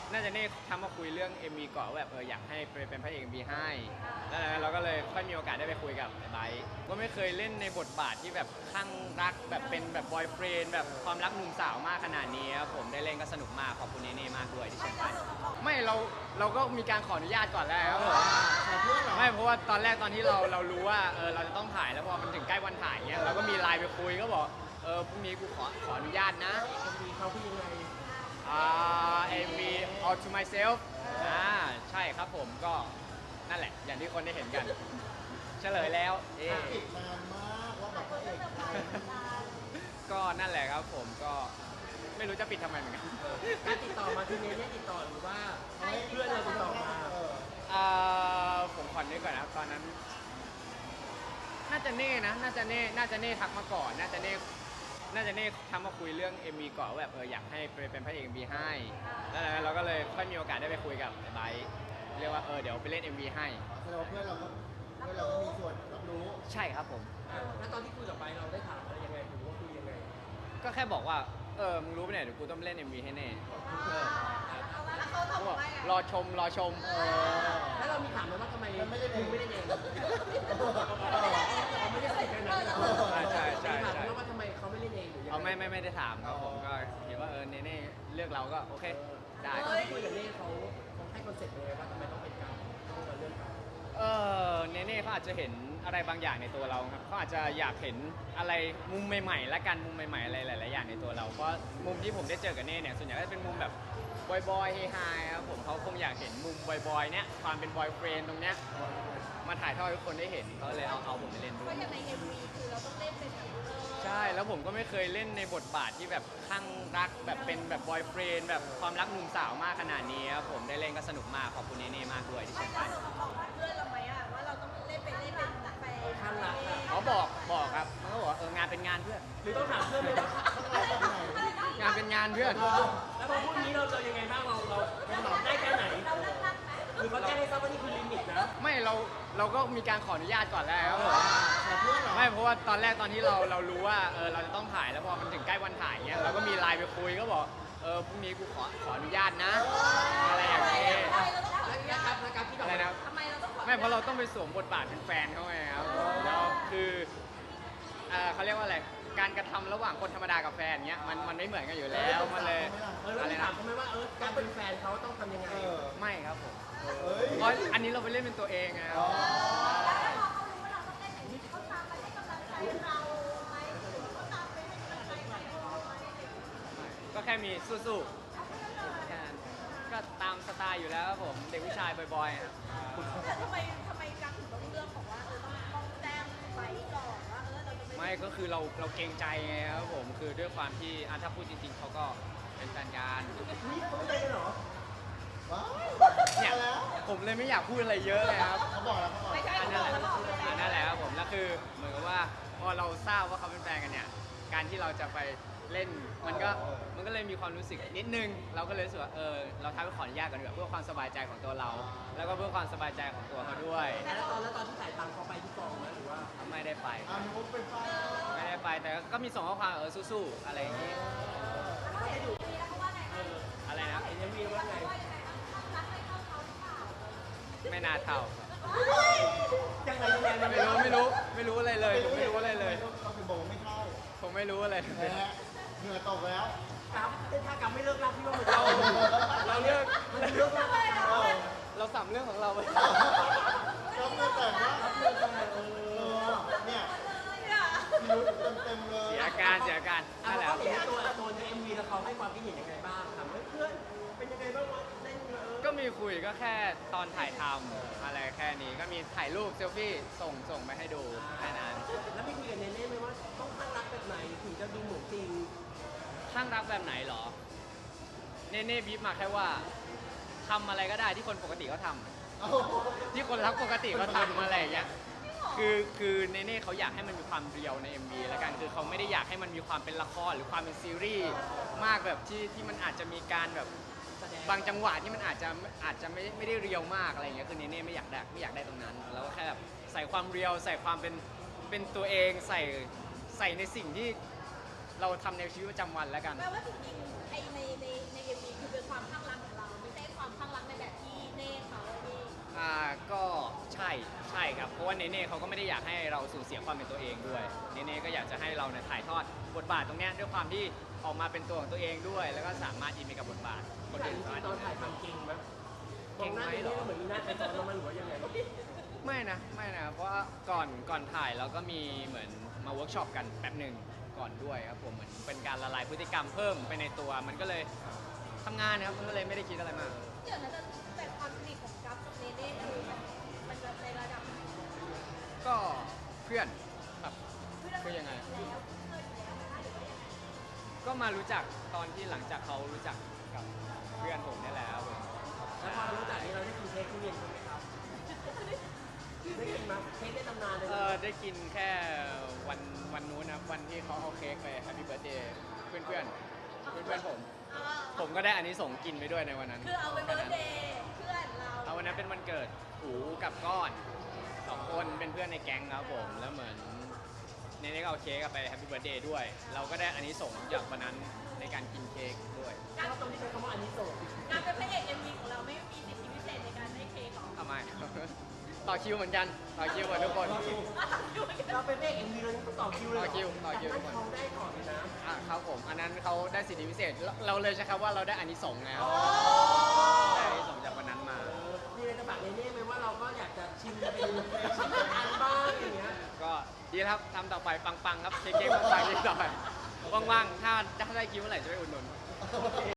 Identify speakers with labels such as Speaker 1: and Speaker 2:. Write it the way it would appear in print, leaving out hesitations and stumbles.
Speaker 1: น่าจะเน่ทำมาคุยเรื่อง MV ก่อนว่าแบบอยากให้เป็นพระเอก MV ให้แล้วเราก็เลยค่อยมีโอกาสได้ไปคุยกับไบร์ทก็ไม่เคยเล่นในบทบาทที่แบบคลั่งรักแบบเป็นแบบบอยเฟรนด์แบบความรักหนุ่มสาวมากขนาดนี้ครับผมได้เล่นก็สนุกมากขอบคุณเน่มากด้วยที่เชิญไปไม่เราก็มีการขออนุญาตก่อนแล้วครับผม
Speaker 2: ขอเพื่อนเหรอ
Speaker 1: ไม่เพราะว่าตอนแรกตอนที่เรารู้ว่าเราจะต้องถ่ายแล้วพอมันถึงใกล้วันถ่ายเงี้ยเราก็มีไลน์ไปคุยก็บอกพรุ่งนี้กูขออนุญาตนะ
Speaker 2: มีเขาคือยังไง
Speaker 1: MV All to Myself ใช่ครับผมก็นั่นแหละอย่างที่คนได้เห็นกัน เฉลยแล้ว
Speaker 2: ติดนานมากว่าแบบพระเอกไทย
Speaker 1: ก็นั่นแหละครับผมก็ไม่รู้จะปิดทำไมเหมือนกัน
Speaker 3: การติดต่อมาทีนี้เนี่ยติดต่อหรือว่าเพื่อนเราติดต่อมา
Speaker 1: ผมขอนึกก่อนนะตอนนั้น น่าจะเน่นะน่าจะเน่ทักมาก่อนน่าจะเน่ทำมาคุยเรื่อง MV ก่อนว่าแบบอยากให้เป็นพระเอก MV ให้แล้วเราก็เลยค่อยมีโอกาสได้ไปคุยกับไบร์ทเรียกว่าเดี๋ยวไปเล่น MV ให้
Speaker 2: แสดงว่าเพื่อนเราก็มีส่วนรับรู้
Speaker 1: ใช่ครับผม
Speaker 3: แล้วตอนที่คุยกับไปเราได้ถามอะไรยังไงหรือว่าคุยยังไง
Speaker 1: ก็แค่บอกว่ามึงรู้ปะเนี่ยเดี๋ยวกูต้องเล่น MV ให้แน่
Speaker 4: แล้วเขาตอบ
Speaker 1: เขาบอก
Speaker 4: ว่าไง
Speaker 1: รอชม
Speaker 3: แล้วเรามีถามไหมว่าทำไม
Speaker 2: มันไม่ได้เอง
Speaker 3: คุณไม่ได้เองเขาไม่ได้ใส่กันนะ
Speaker 1: ใช่
Speaker 3: ถามไหมว่าทำไมเขาไม่เล่นเองหรือยัง
Speaker 1: เอาไม่ได้ถามครับผมก็เห็นว่าเน่เลือกเราก็โอเคได้
Speaker 3: ตอนที่คุยกับเน่เขาให้คอนเซ็ปต์ยังไงว่าทำไมต้องเป็นการต้องมาเรื่องการ
Speaker 1: เน่เขาอาจจะเห็นอะไรบางอย่างในตัวเราครับเขาอาจจะอยากเห็นอะไรมุมใหม่ๆและกันมุมใหม่ๆอะไรหลายๆอย่างในตัวเราเพราะมุมที่ผมได้เจอกับเน่เนี่ยส่วนใหญ่ก็จะเป็นมุมแบบบอยๆเฮฮาครับผมเขาคงอยากเห็นมุมบอยๆเนี่ยความเป็นบอยเฟรนด์ตรงเนี้ยมาถ่ายทอดให้ทุกคนได้เห็นเขาเลยเอาผมไปเล่นด้
Speaker 4: เพ
Speaker 1: วย
Speaker 4: ราะอย่างใน MV คือเราต้องเล่นเป็นแบบ
Speaker 1: ใช่แล้วผมก็ไม่เคยเล่นในบทบาทที่แบบคลั่งรักแบบเป็นแบบบอยเฟรนด์แบบความรักหนุ่มสาวมากขนาดนี้ครับผมได้เล่นก็สนุกมากขอบคุณเน่มากด้วยที่เชิญไป
Speaker 4: เราบอกเพื่อนเราไหมอะว่าเราต้องเล่นเป็นแฟน
Speaker 3: ข้างรักอะ
Speaker 1: เขาบอกครับมันก็บอกว่างานเป็นงานเพื่อน
Speaker 3: หรือต้องถามเพื่อนไหมว่า
Speaker 1: งานเป็นงานเพื่อน
Speaker 3: แล้วพอพูดนี้เราจะยังไงบ้างเราตอบได้แค่ไหนหรือเขาแจ้งให้ทราบว่านี่คือลิมิตนะ
Speaker 1: ไม่เราก็มีการขออนุญาตก่อนแล้วครับผม
Speaker 2: ขอเพื่อนเหรอ
Speaker 1: ไม่เพราะว่าตอนแรกตอนที่เรารู้ว่าเราจะต้องถ่ายแล้วพอมันถึงใกล้วันถ่ายเงี้ยเราก็มีไลน์ไปคุยก็บอกพรุ่งนี้กูขออนุญาตนะอะไรอย่างเงี้ย
Speaker 3: แล้วการที่แบบ
Speaker 1: อะไรนะ
Speaker 4: ทำไมเราต้องขอ
Speaker 1: ไม่เพราะเราต้องไปสวมบทบาทเป็นแฟนเขาไงครับแล้วคือเขาเรียกว่าอะไรการกระทำระหว่างคนธรรมดากับแฟนเงี้ยมันไม่เหมือนกันอยู่แล้วมันเลย
Speaker 3: เรา
Speaker 1: อะไร
Speaker 3: ถา
Speaker 1: นะ
Speaker 3: มเขาไหมว่าการเป็นแฟนเขาต้องทำยังไง
Speaker 1: ไม่ครับผม
Speaker 2: เฮ้ย
Speaker 1: เพราะอันนี้เราไปเล่นเป็นตัวเองไงครับ
Speaker 4: เขารู้ว่าเราต้องเล่นอย่างนี้เขาตามไปให้กำลังใจเราไหมเขาตามไปให้กำลังใจใครไหม
Speaker 1: ก็แค่มีสู้ๆแค่นั้นก็ตามสไตล์อยู่แล้วครับผมเด็กผู้ชายบ่อยๆครับ
Speaker 4: แต่ทำไมกังถึงต้องเลือกของว่าต้องแจ้งไปก่อนว่าเราจะ
Speaker 1: ไม่ก็คือเราเกรงใจไงครับผมคือด้วยความที่ถ้าพูดจริงๆเขาก็เป็นแฟนกัน
Speaker 3: นี่เขาไม่ได้กันเหรอ
Speaker 2: ว้าว
Speaker 1: เนี่ย
Speaker 2: มาแล้ว
Speaker 1: ผมเลยไม่อยากพูดอะไรเยอะเลยครับ
Speaker 2: เขาบอกแล้วเขาบอก
Speaker 4: ไม่ใช่
Speaker 1: อัน
Speaker 4: เขา
Speaker 1: นั้น
Speaker 4: บ
Speaker 1: แห
Speaker 4: อก
Speaker 1: ละ
Speaker 4: แล้วบอกเลย
Speaker 1: นั่นแหละครับผมแล้วคือเหมือนกับว่าพอเราทราบว่าเขาเป็นแฟนกันเนี่ยการที่เราจะไปเล่นมันก็เลยมีความรู้สึกนิดนึงเราก็เลยรู้สึกว่าเราท้าไปขออนุญาตกันดีกว่าเพื่อความสบายใจของตัวเรา แล้วก็เพื่อความสบายใจของตัวเขาด้วย
Speaker 3: แล้วตอนที่ถ่ายตามเขาไปที่กองนะหรือว่า
Speaker 1: ไม่ได้ไป
Speaker 2: อ่ามีคนเป็นฟ้า
Speaker 1: ไม่ได้ไปแต่ก็มีส่งข้อความสู้ๆอะไรอย่างงี้อะไรนะ
Speaker 3: เอ็มวีว่าไง
Speaker 1: ไม่น่าเท่า
Speaker 3: ยังไง
Speaker 1: ไม่รู้อะไรเลยผมไม่รู้อะไรเลย
Speaker 2: เขาเป็นบอกว่าไม่เข้า
Speaker 1: ผมไม่รู้อะไรเลย
Speaker 2: แพ้เหงื่อตกแล้ว
Speaker 3: กับถ้ากับไม่เลิกรักพี่ว่ามัน
Speaker 1: เราเลือก
Speaker 3: มันเลิกรัก
Speaker 1: เราสัมเรื่องของเราไป
Speaker 2: ก็เมื่อแต่ว่าเนี่ยพิรุธเต็มเลย
Speaker 1: เสียอาการนั่นแหละ
Speaker 3: เขาเห็นตัวในเอ็มวีแล้วเขาให้ความคิดเห็นยังไงบ้างถามเพื่อนเป็นยังไงบ้างวะเล่น
Speaker 1: ก็มีคุยก็แค่ตอนถ่ายทำอะไรแค่นี้ก็มีถ่ายรูปเซลฟี่ส่งไปให้ดูแค่นั้น
Speaker 3: แล้วพี่คุยกับเนเน่ไหมว่าต้องข้างรักแบบไหนถึงจะดูเหมือนจริง
Speaker 1: ข้างรักแบบไหนเหรอ เน่บีบมาแค่ว่าทำอะไรก็ได้ที่คนปกติเขาทำ
Speaker 2: เอา
Speaker 1: ที่คนรักปกติเขาทำอะไรอย่างเงี้ยคือเนเน่เขาอยากให้มันมีความเรียวใน MV แล้วกันคือเขาไม่ได้อยากให้มันมีความเป็นละครหรือความเป็นซีรีส์มากแบบที่มันอาจจะมีการแบบบางจังหวะที่มันอาจจะไม่ได้เรียวมากอะไรอย่างเงี้ยคือเนเน่ไม่อยากได้ตรงนั้นแล้วก็แค่แบบใส่ความเรียวใส่ความเป็นตัวเองใส่ในสิ่งที่เราทำในชีวิตประจำวันแล้วกัน
Speaker 4: แปลว่าจริงๆใน MV คือเป็นความข้างรักของเราไม่ใช่
Speaker 1: เนเน่เขาก็ไม่ได้อยากให้เราสูญเสียความเป็นตัวเองด้วยเนเน่ก็อยากจะให้เราเนี่ยถ่ายทอดบทบาทตรงเนี้ยด้วยความที่ออกมาเป็นตัวของตัวเองด้วย แล้วก็สามารถอินไปกับบทบาทคน
Speaker 3: แต่
Speaker 1: อื่
Speaker 3: จ
Speaker 1: น
Speaker 3: ริ
Speaker 1: สาง มารถ
Speaker 3: ๆตอนถ่ายทำจริงไหมมองหน้าเนเน่เหมือนมีหน้าใครซ้อนเรามันหรือว่ายังไง
Speaker 1: ไม่นะเพราะว่าก่อนถ่ายเราก็มีเหมือนมาเวิร์กช็อปกันแป๊บหนึ่งก่อนด้วยครับผมเหมือนเป็นการละลายพฤติกรรมเพิ่มไปในตัวมันก็เลยทำงานนะครับมันก็เลยไม่ได้คิดอะไรมาก
Speaker 4: เดี๋ยวนะแต่ความสนิทของกัฟกับเนเน่คือมันจะในระดับไหน
Speaker 1: ก็เพื่อนครับคือยังไง
Speaker 4: แล้วเคยอยู่แล้วนะคะหรือว่ายังไง
Speaker 1: ก็มารู้จักตอนที่หลังจากเขารู้จักกับเพื่อนผมนี่แหละครับผม
Speaker 3: แล้วพอเรารู้จักนี้เราได้กินเค้กทุเรียนกันไหมครับได้กินไหมเค้กได้ตำนานเลย
Speaker 1: ได้กินแค่วันนู้นนะวันที่เขาเอาเค้กไปแฮปปี้เบิร์ดเดย์เพื่อนผมก็ได้อันนี้ส่งส์กินไปด้วยในวันนั้น
Speaker 4: คือเอาไปเบิร์ธเดย์เพื่อนเรา
Speaker 1: เอาวันนั้นเป็นวันเกิดหูกับก้อนสองคนเป็นเพื่อนในแก๊งครับผมแล้วเหมือนเนเน่ก็เอาเค้กไปแฮปปี้เบิร์ดเดย์ด้วย เราก็ได้อันนี้ส่งส์จากวันนั้นในการกินเค้กด้วย
Speaker 3: แล้วตรงที่ใช้คำว่าอันนี้โสด
Speaker 4: การเป็นพระเอกเอ็มวีของเราไม่มีสิทธิพิเศษในการได้เค้กหรอ
Speaker 1: ทำไม ต่อคิวเหมือนกันต่อคิวเหมือนทุกคน
Speaker 3: เราเป็นเอกเอ็มวีเราต้องต่อคิวเลย
Speaker 1: ต่อคิวทุก
Speaker 3: แต่
Speaker 1: คน
Speaker 3: เขาได้ก่อนเลยนะ
Speaker 1: ครับผมอันนั้นเขาได้สิทธิพิเศษเราเลยใช้คำว่าเราได้อานิสงส์แล้วได้อานิสงส์จากวันนั้นมา
Speaker 3: มีอะไรจะฝากเนเน่ไหมว่าเราก็อยากจะชิมเป็นชิมเป็นอันบ้างอย่างเงี้ย
Speaker 1: ก็ดีแล้วครับทำต่อไปปังๆครับเค้กๆปังๆอีกต่อไปว่างๆถ้าได้คิวเมื่อไหร่จะไปอุดหนุน